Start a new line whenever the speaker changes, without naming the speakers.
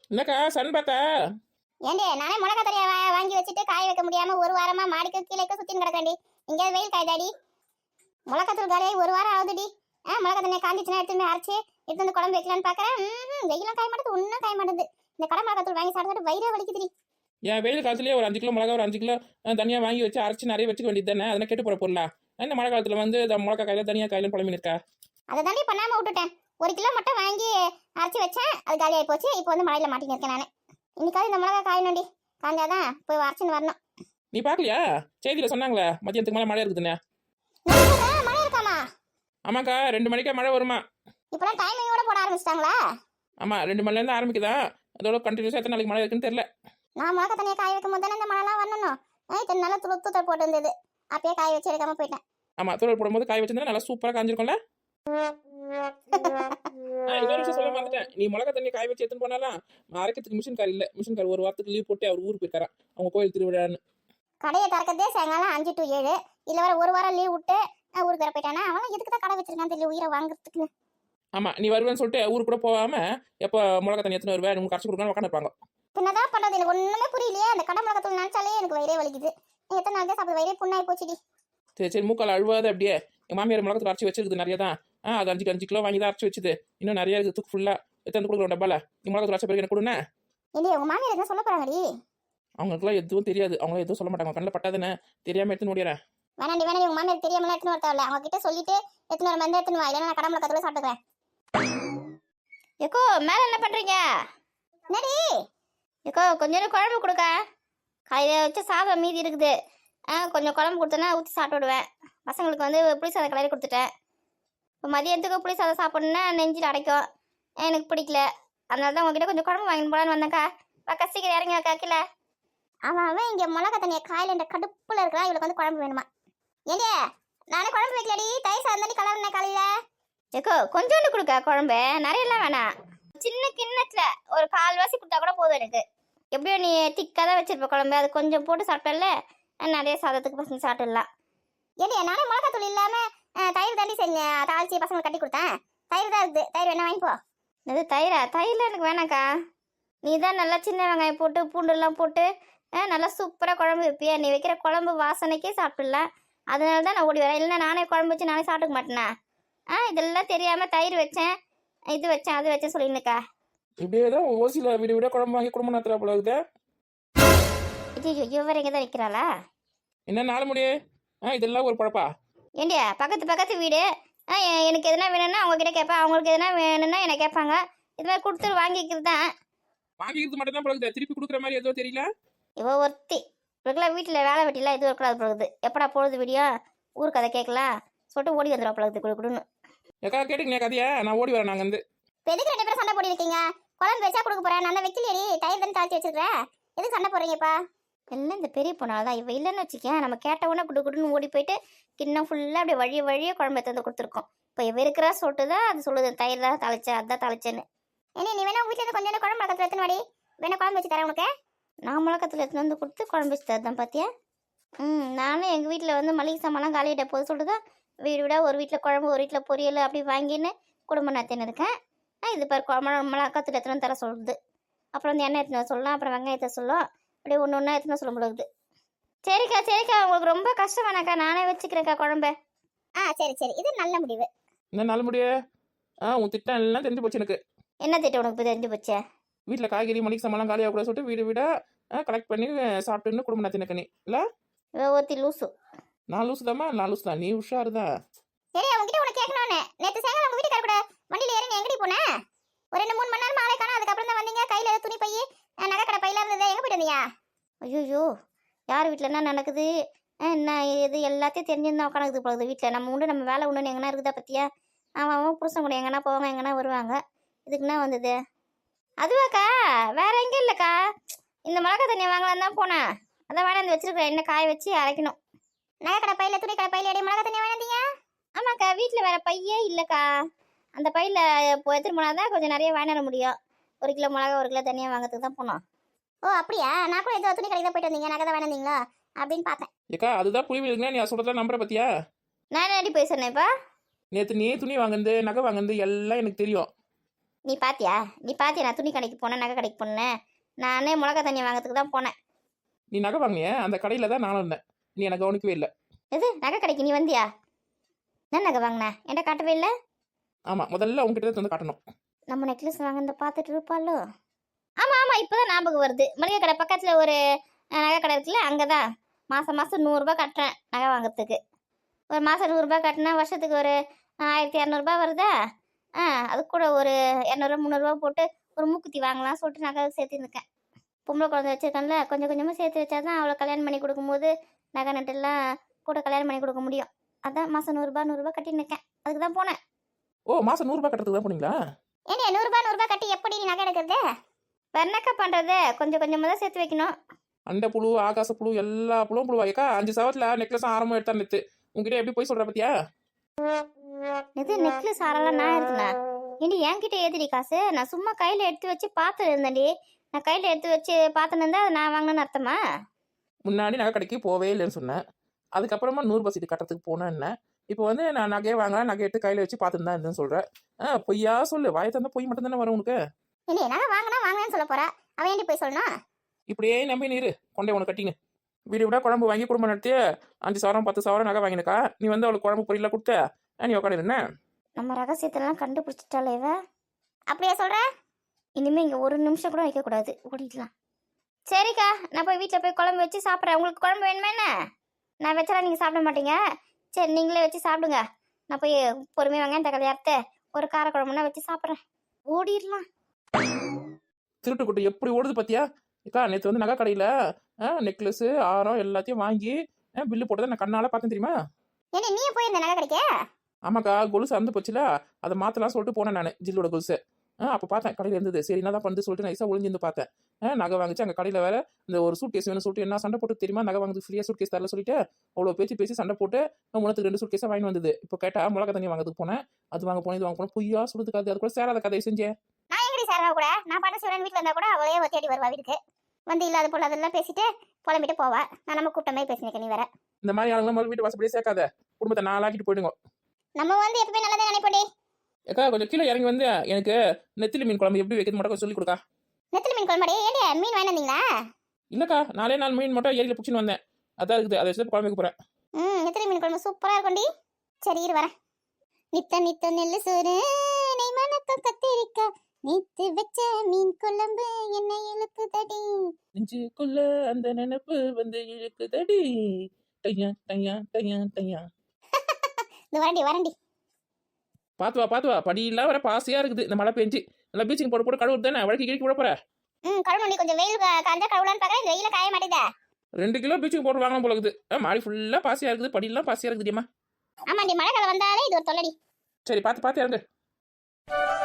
என்னக்கா சன் பார்த்தா?
ஏண்டி நானே மிளகா தனியா வாங்கி வச்சுட்டு காய வைக்க முடியாம ஒரு வாரமா மாடிக்கு கீழே சுத்தின்னு கிடக்கேன்டி. இங்கே வெயில் காய்தாடி. மிளகாத்தூள் காலையை ஒரு வாரம் ஆகுதுடி. மிளகா தண்ணியை காஞ்சிச்சுன்னா எடுத்துன்னு அரைச்சி எடுத்து வந்து குழம்பு வைக்கலான்னு பாக்குறேன். வெயிலும் காய மாட்டேது, ஒன்றும் காய மாட்டேது. இந்த கடை மிளகாத்தூள் வாங்கி சாப்பிட்டு வயிறே வலிக்குதுடி.
என் வெயில் காலத்துலேயே ஒரு 5 கிலோ மிளகா, ஒரு 5 கிலோ தனியாக வாங்கி வச்சு அரைச்சி நிறைய வச்சுக்க வேண்டியது தானே? அதெல்லாம் கெட்டு போகிற பொருளா? இந்த மழை காலத்தில் வந்து இந்த மிளகா காயில தனியாக காயிலும் புலம்பின்னு இருக்கா?
அதை தாண்டி பண்ணாம விட்டுட்டேன். 1 கிலோ மட்டும் வாங்கி அரைச்சி வச்சேன், அது காலி ஆகி போச்சு. இப்போ வந்து மழையில மாட்டின்னு இருக்கேன் நான். இன்னைக்காவது இந்த மிளகா காயணும்டி. காஞ்சாதான் போய் அரைச்சின்னு வரணும்.
நீ பார்க்கலையா? செய்தியில் சொன்னாங்களே மதியத்துக்கு மேலே மழை இருக்குதுண்ணே.
மழை இருக்காமா?
ஆமாக்கா, 2 மணிக்கா மழை வருமா?
இப்பெல்லாம் டைமிங்கோட போட ஆரம்பிச்சிட்டாங்களா?
ஆமாம், 2 மணிலேருந்து ஆரம்பிக்குதா. அதோட கண்டினியூஸாக எத்தனை நாளைக்கு மழை இருக்குன்னு தெரியல.
நான் மிளகா தண்ணியை காய வைக்கும் போது தானே இந்த மழைலாம் வரணும். இத்தனை நாளாக தூத்தல் போட்டு இருந்தது. அப்பயே காய வச்சு எடுக்காம போயிட்டேன்.
ஆமாம், தூரல் போடும்போது காய வச்சிருந்தா நல்லா சூப்பராக காஞ்சிருக்கும்ல. இன்னொரு விஷயம் சொல்ல மறந்துட்டேன். நீ மிளகா தண்ணி காய வச்சு எடுத்துன்னு போனாலாம் அரைக்கிறதுக்கு மிஷின்கார் இல்லை. மிஷின்கார் ஒரு வாரத்துக்கு லீவ் போட்டு அவர் ஊருக்கு போயிருக்காரா, அவங்க கோயில் திருவிழான்னு.
கடையை திறக்கிறதே சாயங்காலம் 5 to 7. இல்லை வர ஒரு வாரம் லீவ் விட்டு ஊருக்கு வர போயிட்டானா? அவன் எதுக்கு தான் கடை வச்சிருக்கான் தெரியல, உயிரை வாங்குறதுக்கு.
ஆமாம், நீ வருவேன்னு சொல்லிட்டு ஊருக்கு கூட போகாம எப்போ மிளகா தண்ணி எடுத்துன்னு வருவேன் உங்களுக்கு கரைச்சி கொடுக்கணும் உட்காந்துருப்பாங்க.
என்னதான் பண்றது, எனக்கு ஒண்ணுமே புரியலையே. அந்த கடை மிளகாத்தூள் நினைச்சாலே எனக்கு வயிறே வலிக்குது. எத்தனை நாள் தான் சாப்பிட வயிறே புண்ணாகி போச்சுடி.
சரி சரி, மூக்கால் அழுவாத அப்படியே. என் மாமியார் மிளகத்தில் அரைச்சி வச்சிருக்குது நிறைய தான். அது 5 கிலோ வாங்கி தான் அரைச்சி வச்சுது. இன்னும் நிறைய இருக்குது தூக்கு ஃபுல்லாக எடுத்து கொடுக்குறோம் டப்பால. நீ மிளகத்தில் அரைச்ச பிறகு எனக்கு கொடுண்ணே.
இல்லையே உங்க மாமியார் என்ன சொல்ல போறாங்கடி?
அவங்களுக்குலாம் எதுவும் தெரியாது, அவங்களும் எதுவும் சொல்ல மாட்டாங்க. கண்ணில் பட்டாதானே தெரியாமல் எடுத்துன்னு ஓடிறேன்.
வேணாண்டி வேணாண்டி, உங்க மாமியார் தெரியாமலாம் எடுத்துன்னு வரத்தாவில்ல. அவங்க கிட்ட சொல்லிட்டு எடுத்துன்னு வர மாதிரி எடுத்துன்னு வா, இல்லைன்னா நான் கடை மிளகாத்தூள் சாப்பிட்டுக்கிறேன்.
எக்கோ மேலே என்ன பண்ணுறீங்க?
என்னடி?
எக்கோ கொஞ்சம் குழம்பு கொடுக்க. காலையில் வச்ச சாதம் மீதி இருக்குது. கொஞ்சம் குழம்பு கொடுத்தேன்னா ஊற்றி சாப்பிட்டு விடுவேன். பசங்களுக்கு வந்து புளி சாதம் கலரி கொடுத்துட்டேன். இப்போ மதியத்துக்கு புளி சாதம் சாப்பிட்ணுன்னா நெஞ்சில் அடைக்கும், எனக்கு பிடிக்கல. அதனால தான் உங்ககிட்ட கொஞ்சம் குழம்பு வாங்கிட்டு போகலான்னு வந்தேன்க்கா. அக்கா சீக்கிரம் இறங்கி அக்கா கீழே.
அவன் இங்கே மிளகா தண்ணியை காயில கடுப்புல இருக்கிறான். இவளுக்கு வந்து குழம்பு வேணுமா? ஏண்டிய நானே குழம்பு வைக்கலடி, தயிர் சாதம் தண்ணி கலர்னே காலையில.
எக்கோ கொஞ்சோண்டு கொடுக்க குழம்பு, நிறையெல்லாம் வேணாம். சின்ன கிண்ணத்தில் ஒரு 1/4 கொடுத்தா கூட போதும் எனக்கு. எப்படியோ நீ திக்காக தான் வச்சிருப்ப குழம்பு, அது கொஞ்சம் போட்டு சாப்பிட்டல நிறைய சாதத்துக்கு பசங்க சாப்பிட்டுடலாம்.
ஏண்டிய நானே மிளகாத்தூள் இல்லாம தயிர் தாண்டி செஞ்சேன், தாளிச்சி பசங்களுக்கு கட்டி கொடுத்தேன். தயிர் தான் இருக்குது, தயிர் வேணா வாங்கிப்போ.
இது தயிரில் எனக்கு வேணாக்கா. நீ தான் நல்லா சின்ன வெங்காயம் போட்டு பூண்டுலாம் போட்டு நல்லா சூப்பராக குழம்பு வைப்பியா. நீ வைக்கிற குழம்பு வாசனைக்கே சாப்பிடலாம். அதனால தான் நான் ஓடி வரேன். இல்லைன்னா நானே குழம்பு வச்சு நானே சாப்பிட்டுக்க மாட்டேனா? இதெல்லாம் தெரியாமல் தயிர் வச்சேன், இது வச்சேன், அது வச்சேன் சொல்லிருக்கா.
இப்படியே தான் ஓசியில் வீடு விட குழம்பு வாங்கி குடும்பம் நடத்துகிறா போல இருக்குது.
இது இவர் எங்கே தான் வைக்கிறாளா?
என்ன நாலு முடியே? இதெல்லாம் ஒரு பழப்பா?
ஏண்டியா பக்கத்து வீடு. எனக்கு எதுனா வேணும்னா அவங்ககிட்ட கேட்பேன், அவங்களுக்கு எதுனா வேணும்னா என்னை கேட்பாங்க. இது மாதிரி கொடுத்துட்டு வாங்கிக்கிறது தான்.
வாங்கிக்கிறது மட்டும் தான் பழகுது, திருப்பி கொடுக்குற மாதிரி எதுவும் தெரியல.
இவ ஒருத்தி இவருக்குலாம் வீட்டில் வேலை வெட்டிலாம் எதுவும் இருக்கக்கூடாது பழகுது. எப்படா பொழுது விடியோ ஊருக்கு அதை கேட்கலாம் சொல்லிட்டு ஓடி வந்துடுவா பழகுது குடுன்னு.
எக்கா கேட்டுக்கங்க கதையா, நான் ஓடி வரேன். நாங்கள் வந்து
இப்போ எதுக்கு 2 பேரும் சண்டை போடி இருக்கீங்க? குழம்பு வச்சா கொடுக்க போறேன், நான் தான் வைக்கலையடி, தயிர் தானே தாளிச்சு வச்சிருக்கேன். எதுக்கு சண்டை போடுறீங்கப்பா?
எல்லாம் இந்த பெரிய பொண்ணால் தான். இவ இல்லைன்னு வச்சுக்கேன், நம்ம கேட்ட உடனே குடுன்னு ஓடி போயிட்டு கிண்ணம் ஃபுல்லாக அப்படியே வழியே குழம்பு எடுத்து வந்து கொடுத்துருக்கோம். இப்போ இவ இருக்கிறா சொல்லிட்டு தான் அது சொல்லுது, தயிர் தான் தாளிச்சேன், அதான் தாளிச்சேன்னு.
ஏன்னா நீ வேணா வீட்டில் இருந்து கொஞ்சம் குழம்பு மிளகாத்தூள் எடுத்துன்னு வாடி, வேணா குழம்பு வச்சு தரேன் உனக்கு.
நான் மிளகாத்தூள் எடுத்துன்னு வந்து கொடுத்து குழம்பு வச்சு தரதான் பார்த்தியா? நானும் எங்கள் வீட்டில் வந்து மளிகை சாமான்லாம் காலியிட்ட போது சொல்லிட்டு தான் வீடு விட ஒரு வீட்டில் குழம்பு ஒரு வீட்டில் பொரியல் அப்படி வாங்கின்னு குடும்பம் நடத்தின்னு இருக்கேன். இது பாரு மிளகாத்தூள் எடுத்துன்னு தர சொல்லுது. அப்புறம் வந்து எண்ணெய் எடுத்துன்னு சொல்லலாம், அப்புறம் வெங்காயத்தை சொல்லும், அப்படியே ஒன்று ஒன்றா எடுத்துன்னு சொல்ல முடியுது. சரிக்கா உங்களுக்கு ரொம்ப கஷ்டம் வேணாக்கா, நானே வச்சுக்கிறேன்க்கா குழம்பு.
சரி சரி, இது நல்ல முடிவு.
என்ன நல்ல முடியே? உன் திட்டம் எல்லாம் தெரிஞ்சு போச்சு எனக்கு.
என்ன திட்டம் உனக்கு இப்போ தெரிஞ்சு போச்சே?
வீட்டில் காய்கறி மளிகை சாமான்லாம் காலியாக கூட சொல்லிட்டு வீடு விட கலெக்ட் பண்ணி சாப்பிட்டுன்னு குடும்பம் நடத்தினக்கு நீ இல்லை?
ஒருத்தி லூசு.
நான் லூசு தாம்மா, நான் லூசு தான், நீ உஷாரு தான்.
சரி, அவங்ககிட்ட உனக்கு கேட்கணும்னு நேற்று சாயங்காலம் உங்க வீட்டுக்கார கூட வண்டியில் இறங்கி எங்கடி போனேன்? ஒரு 2-3 மணி நேரம் ஆளே காணோம். அதுக்கப்புறம் தான் வந்தீங்க. கையில் ஏதோ துணி பை நகை கடை பையில இருந்தது, எங்கே போயிட்டு வந்தீங்க?
ஐயோ யார் வீட்டில் என்ன நடக்குது என்ன இது எல்லாத்தையும் தெரிஞ்சுருந்தா உட்காந்துக்குது போகுது. வீட்டில் நம்ம உண்டு நம்ம வேலை உண்டுன்னு எங்கன்னா இருக்குதா பற்றியா? அவன் புருஷன் கூட எங்கன்னா போவாங்க, எங்கன்னா வருவாங்க. இதுக்குன்னா வந்தது அதுவாக்கா, வேற எங்கே இல்லைக்கா. இந்த மிளகா தண்ணியை வாங்கலாம் தான் போனேன். அதான் வேணாந்து வச்சிருக்கிறேன், என்ன காய வச்சு அரைக்கணும்.
நகை கடை பையில துணி கடை பையில மிளகா தண்ணியை வேணாந்தீங்க?
ஆமாக்கா, வீட்டில் வேற பையே இல்லைக்கா. அந்த பையில் இப்போ எடுத்துகிட்டு போனால் தான் கொஞ்சம் நிறைய வாங்கிட முடியும். 1 கிலோ மிளகா 1 கிலோ தனியாக வாங்கிறதுக்கு தான் போனோம்.
ஓ அப்படியா? நான் கூட ஏதோ துணி கடைக்கு தான் போயிட்டு வந்தீங்க, நகை தான் வேணாந்தீங்களா அப்படின்னு பார்த்தேன்.
ஏக்கா அதுதான் புரிவு இருக்குன்னா நீ சொல்கிறதா நம்புற பத்தியா?
நான் என்னடி போய் சொன்னேன்ப்பா?
நேற்று நீ துணி வாங்குறது நகை வாங்குறது எல்லாம் எனக்கு தெரியும்.
நீ பாத்தியா நான் துணி கடைக்கு போனேன், நகை கடைக்கு போனேன். நானே மிளகா தண்ணி வாங்கிறதுக்கு தான் போனேன்.
நீ நகை வாங்கினிய அந்த கடையில் தான் நானும் இருந்தேன். நீ எனக்கு கவனிக்கவே இல்லை.
எது நகை கடைக்கு நீ வந்தியா? என்ன நகை வாங்கின என்கிட்ட காட்டவே இல்லை.
ஆமாம், முதல்ல உங்ககிட்ட தான் வந்து காட்டணும்.
நம்ம நெக்லஸ் வாங்கினத பார்த்துட்டு இருப்பாளோ? ஆமாம் இப்போதான் ஞாபகம் வருது. மளிகை கடை பக்கத்தில் ஒரு நகை கடை இருக்குல்ல, அங்கே தான் மாதம் 100 ரூபாய் கட்டுறேன் நகை வாங்குறதுக்கு. ஒரு மாதம் 100 ரூபாய் கட்டினா வருஷத்துக்கு ஒரு 1200 வருதா? அது கூட ஒரு 200 300 போட்டு ஒரு மூக்குத்தி வாங்கலாம் சொல்லிட்டு நகை சேர்த்துருக்கேன். பொம்பளை குழந்தை வச்சிருக்கேன்ல, கொஞ்சம் கொஞ்சமாக சேர்த்து வச்சா தான் அவளை கல்யாணம் பண்ணி கொடுக்கும்போது நகை நட்டெல்லாம் கூட கல்யாணம் பண்ணி கொடுக்க முடியும். அதான் மாதம் 100 ரூபாய் கட்டின்னு இருக்கேன். அதுக்கு தான் போனேன்.
ஓ, மாதம் 100 ரூபாய் கட்டுறதுக்கு தான் போனீங்களா?
ஏன்னா 100 ரூபாய் கட்டி எப்படி நீ நகை எடுக்கிறது?
வெண்ணக்கா பண்ணுறது கொஞ்சம் கொஞ்சமாக தான் சேர்த்து வைக்கணும்.
அண்டை புழு, ஆகாச புழு, எல்லா புழுவும் புழுவாக்கா. 5 சவரத்தில் நெக்லஸ் ஆரம்பம் எடுத்தா நிறுத்து. உங்ககிட்ட எப்படி போய் சொல்கிற பத்தியா?
இது நெக்லஸ் ஆரெல்லாம் நான் இருக்குண்ணா. ஏண்டி என்கிட்ட ஏதிரி காசு? நான் சும்மா கையில் எடுத்து வச்சு பார்த்து இருந்தேன்டி. நான் கையில் எடுத்து வச்சு பார்த்துன்னு இருந்தா அதை நான் வாங்கினேன்னு அர்த்தமா?
முன்னாடி நகை கடைக்கு போவே இல்லைன்னு சொன்னேன். அதுக்கப்புறமா 100 ரூபாய் சீட்டு கட்டுறதுக்கு போனேன். என்ன இப்போ வந்து நான் நகையை வாங்கலாம், நகை எடுத்து கையில் வச்சு பார்த்துன்னு தான் இருந்தேன்னு சொல்கிறேன். பொய்யா சொல்லு. வாயை தந்தா பொய் மட்டும் தானே வரும் உனக்கு.
இல்லையே நகை வாங்கினேன்னு சொல்ல போறா. அவன் ஏண்டி போய் சொல்லணும்?
இப்படியே நம்பி நீரு கொண்டே உனக்கு கட்டிங்க. வீடு விட குழம்பு வாங்கி குடும்பம் நடத்தி 5 சவரம் 10 சவரம் நகை வாங்கினக்கா. நீ வந்து அவளுக்கு குழம்பு பொரியல கொடுத்த நீ உட்காந்து என்ன?
நம்ம ரகசியத்தெல்லாம் கண்டுபிடிச்சிட்டாலே இவ.
அப்படியே சொல்ற?
இனிமே இங்கே ஒரு நிமிஷம் கூட வைக்கக்கூடாது, ஓடிடலாம். சரிக்கா, நான் போய் வீட்டில் போய் குழம்பு வச்சு சாப்பிட்றேன். உங்களுக்கு குழம்பு வேணுமா என்ன? நான் வச்சாலும் நீங்கள் சாப்பிட மாட்டீங்க. சரி நீங்களே வச்சு சாப்பிடுங்க. நான் போய் பொறுமையாக வெங்காயம் தக்காளி அறுத்து ஒரு கார குழம்புனா வச்சு சாப்பிட்றேன். ஓடிடலாம்.
திருட்டு குட்டு எப்படி ஓடுது பத்தியா? அக்கா நேற்று வந்து நகை கடையில் நெக்லஸ் ஆரம் எல்லாத்தையும் வாங்கி பில்லு போட்டதை நான் கண்ணால் பார்த்தேன் தெரியுமா?
ஏன்னா நீ போய் இந்த நகை கிடைக்க?
ஆமாக்கா, கொலுசு அறுந்து போச்சுல, அதை மாற்றலாம் சொல்லிட்டு போனேன் நான். ஜில்லோட கொலுசு அப்போ பார்த்தேன் கடையில் இருந்தது. சரி என்ன தான் பண்ணு சொல்லிட்டு நைஸாக ஒளிஞ்சிருந்து பார்த்தேன். நகை வாங்கிச்சு. அங்கே கடையில் வேற இந்த ஒரு சூட் கேஸ் வேணும் சொல்லிட்டு என்ன சண்டை போட்டு தெரியுமா? நகை வாங்குது ஃப்ரீயாக சூட் கேஸ் தரல சொல்லிட்டு அவ்வளோ பேசி சண்டை போட்டு முன்னத்துக்கு 2 சூட் கேஸாக வாங்கி வந்தது. இப்போ கேட்டால் மிளகா தண்ணி வாங்கிறதுக்கு போனேன். அது வாங்க போனேன், இது வாங்க போனேன். பொய்யா சொல்லுதுக்காது. அது கூட சேராத கதையை செஞ்சேன்.
நான் எங்கடி சேரவா கூட? நான் பாட்டு சிவன் வீட்டில் இருந்தா கூட அவளே தேடி வருவா வீட்டுக்கு. வந்து இல்லாத போல அதெல்லாம் பேசிட்டு புலம்பிட்டு போவா. நான் நம்ம கூட்டமே பேசினேன். நீ வேற
இந்த மாதிரி ஆளுங்களாம் முதல் வீட்டு வாசப்படியே சேர்க்காத. குடும்பத்தை நாளாக்கிட்டு போயிடுங்க.
நம்ம வந்து எப்பவுமே நல்லதே நினைப்போடி.
ஏக்கா கொஞ்சம் கீழே இறங்கி வந்து எனக்கு நெத்திலி மீன் குழம்பு எப்படி வைக்கிறது மட்டும் கொஞ்சம் சொல்லி கொடுக்கா.
நெத்திலி மீன் குழம்பு? ஏடி மீன் வாங்கி வந்தீங்களா?
இல்லக்கா, 4 மீன் மட்டும் ஏரியில் பிடிச்சின்னு வந்தேன். அதான் இருக்குது, அதை வச்சு குழம்பு வைக்க போறேன்.
நெத்திலி மீன் குழம்பு சூப்பரா இருக்கும்டி. சரி இரு வரேன். நித்த நெல்லு சோறு நெய் மணக்க கத்திரிக்கா நீத்து வச்ச மீன் குழம்பு என்ன இழுக்குதடி.
நெஞ்சுக்குள்ள அந்த நினைப்பு வந்து இழுக்குதடி. டையா டையா டையா டையா.
இந்த வரண்டி
பாத்து வா படியெல்லாம் வர பாசையா இருக்குது. இந்த மழை பெஞ்சு நல்லா பீச்சிங் போட்டு கழுவுறது தானே. வழக்கு கிழக்கு விட போற.
கழுவுண்டி கொஞ்சம் வெயில் காஞ்சா கழுவலான்னு பாக்குறேன். வெயில காய மாட்டேதா.
2 கிலோ பீச்சிங் போட்டு வாங்கலாம் போல இருக்குது. மாடி ஃபுல்லா பாசையா இருக்குது. படியெல்லாம் பாசையா இருக்குதுமா.
ஆமாண்டி, மழை காலம் வந்தாலே இது ஒரு தொல்லடி.
சரி பார்த்து இறங்கு.